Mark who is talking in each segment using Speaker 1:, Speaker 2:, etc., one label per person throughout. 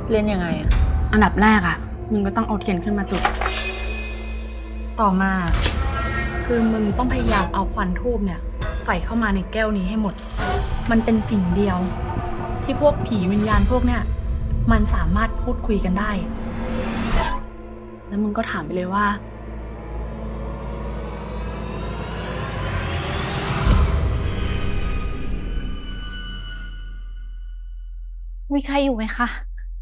Speaker 1: เล่นยังไงอะ
Speaker 2: อันดับแรกอะมึงก็ต้องเอาเทียนขึ้นมาจุดต่อมาคือมึงต้องพยายามเอาควันธูปเนี่ยใส่เข้ามาในแก้วนี้ให้หมดมันเป็นสิ่งเดียวที่พวกผีวิญญาณพวกเนี่ยมันสามารถพูดคุยกันได้แล้วมึงก็ถามไปเลยว่ามีใครอยู่ไหมคะ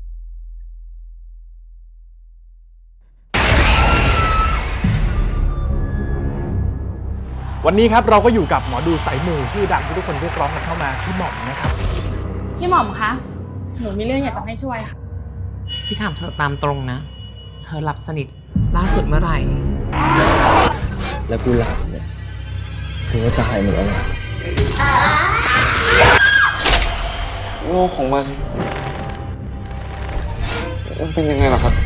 Speaker 3: วันนี้ครับเราก็อยู่กับหมอดูสายมูชื่อดังที่ทุกคนเรียกร้องกันเข้ามาพี่หม่อมนะครับ
Speaker 2: พี่หม่อมคะหนูมีเรื่องอยากจะให้ช่วยค่ะ
Speaker 4: พี่ถามเธอตามตรงนะเธอหลับสนิทล่าสุดเมื่อไหร่
Speaker 5: แล้วกูหลับเนี่ยกูก็ตายเหมือนกันโลกของมันเป็นยังไงล่ะครับ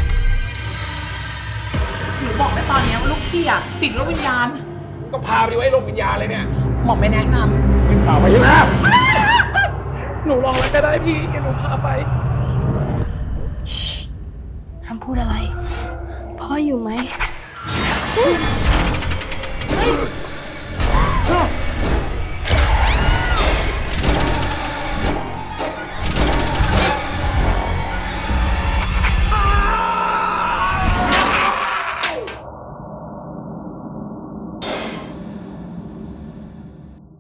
Speaker 4: หนูบอกไปตอนนี้ว่าลูกพี่อะติดโรควิญญาณ
Speaker 3: ต้องพาไปไว้โรงวิญญาณเลยเนี่ย
Speaker 4: หมอไม่แนะนำ
Speaker 3: เป็นข่าวไปใช่ไหม
Speaker 4: หนูลองแล้วก็ได้พี่แกหนูพาไป
Speaker 2: ห้ามพูดอะไรพ่ออยู่ไหม